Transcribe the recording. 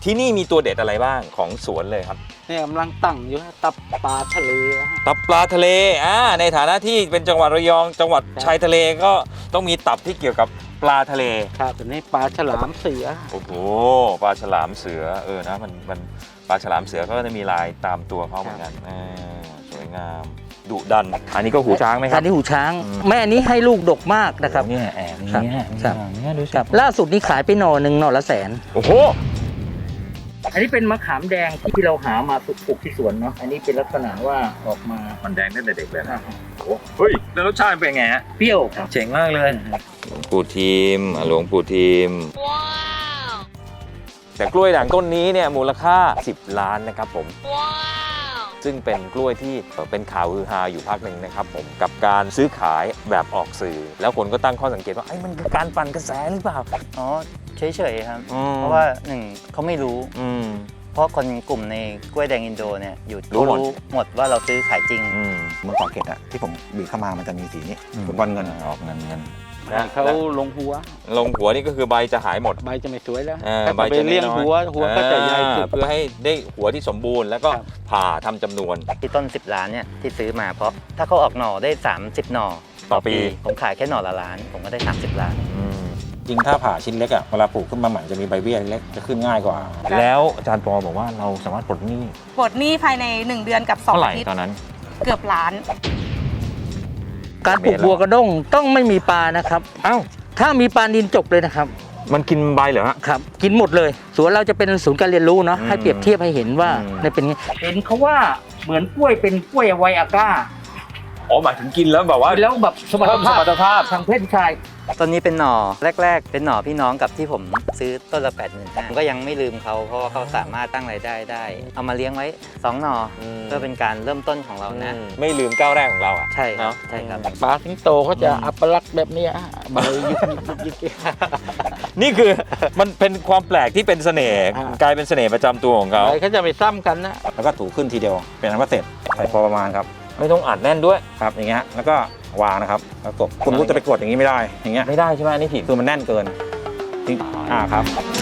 ที่นี่มีตัวเด็ดอะไรบ้างของสวนเลยครับเนี่ยกำลังตั้งอยู่ตับปลาทะเลตับปลาทะเลในฐานะที่เป็นจังหวัดระยองจังหวัดชายทะเลก็ต้องมีตับที่เกี่ยวกับปลาทะเลครับตัวนี้ปลาฉลามเสือโอ้โหปลาฉลามเสือนะมันปลาฉลามเสือก็จะมีลายตามตัวเขาเหมือนกันสวยงามดุดันอันนี้ก็หูช้างไหมครับอันนี้หูช้างแม่นี้ให้ลูกดกมากนะครับเนี่ยแอบนี่ดูสิล่าสุดนี้ขายไปหน่อหนึ่งหน่อละแสนโอ้โหอันนี้เป็นมะขามแดงที่เราหามาปลูกที่สวนเนาะอันนี้เป็นลักษณะว่าออกมามันแดงตั้งแต่เด็กเลยนะเฮ้ยแล้วรสชาติเป็นไงฮะเปรี้ยวครับเจ๋งมากเลยหลวงปู่ทิมหลวงปู่ทิมว้าวแต่กล้วยด่างต้นนี้เนี่ยมูลค่า10 ล้านนะครับผมว้าวซึ่งเป็นกล้วยที่เป็นข่าวฮือฮาอยู่พักหนึ่งนะครับผมกับการซื้อขายแบบออกสื่อแล้วคนก็ตั้งข้อสังเกตว่าไอ้มันคือการปั่นกระแสหรือเปล่าอ๋อเฉยๆครับเพราะว่าหนึ่งเขาไม่รู้เพราะคนกลุ่มในกล้วยแดงอินโดเนี่ยอยู่รู้หมดว่าเราซื้อขายจริงเมื่อก่อนเกตอะที่ผมบีบเข้ามามันจะมีสีนี้ฟุตบอลเงินออกเงินเขาลงหัวนี่ก็คือใบจะหายหมดใบจะไม่สวยแล้วใบจะเลี้ยงหัวก็จะใหญ่เพื่อให้ได้หัวที่สมบูรณ์แล้วก็ผ่าทำจำนวนที่ต้น10 ล้านเนี่ยที่ซื้อมาเพราะถ้าเขาออกหน่อได้30 หน่อต่อปีผมขายแค่หน่อละล้านผมก็ได้30 ล้านจริงถ้าผ่าชิ้นเล็กอะเวลาปลูกขึ้นมาใหม่จะมีใบเบี้ยเล็กจะขึ้นง่ายกว่าแล้วอาจารย์ปอบอกว่าเราสามารถปลดหนี้ภายใน1 เดือนกับ2 อาทิตย์ตอนนั้นเกือบล้านการปลูกบัวกระด้งต้องไม่มีปลานะครับถ้ามีปลานิลจบเลยนะครับมันกินใบเหรอฮะครับกินหมดเลยสวนเราจะเป็นศูนย์การเรียนรู้เนาะให้เปรียบเทียบให้เห็นว่าในเป็นเห็นเขาว่าเหมือนกล้วยเป็นกล้วยไวอาก้าหมายถึงกินแล้วแบบว่าแล้วแบบสมรรถภาพทางเพศชายตอนนี้เป็นหน่อแรกๆเป็นหน่อพี่น้องกับที่ผมซื้อต้นละ85,000ก็ยังไม่ลืมเขาเพราะว่าเขาสามารถตั้งรายได้ได้เอามาเลี้ยงไว้2 หน่อเพื่อเป็นการเริ่มต้นของเรานะไม่ลืมก้าวแรกของเราอ่ะใช่ครับใช่ครับปลาสิงโตเขาจะอัปลักษณ์แบบนี้ใบยิกนี่คือมันเป็นความแปลกที่เป็นเสน่ห์กลายเป็นเสน่ห์ประจำตัวของเขาเขาจะไปซ้ำกันนะแล้วก็ถูขึ้นทีเดียวเป็นอันว่าเสร็จใส่พอประมาณครับไม่ต้องอัดแน่นด้วยครับอย่างเงี้ยแล้วก็วางนะครับแล้วกดคุณรู้จะไปกดอย่างนี้ไม่ได้อย่างเงี้ยไม่ได้ใช่ไหมนี่ผิดคือมันแน่นเกินครับ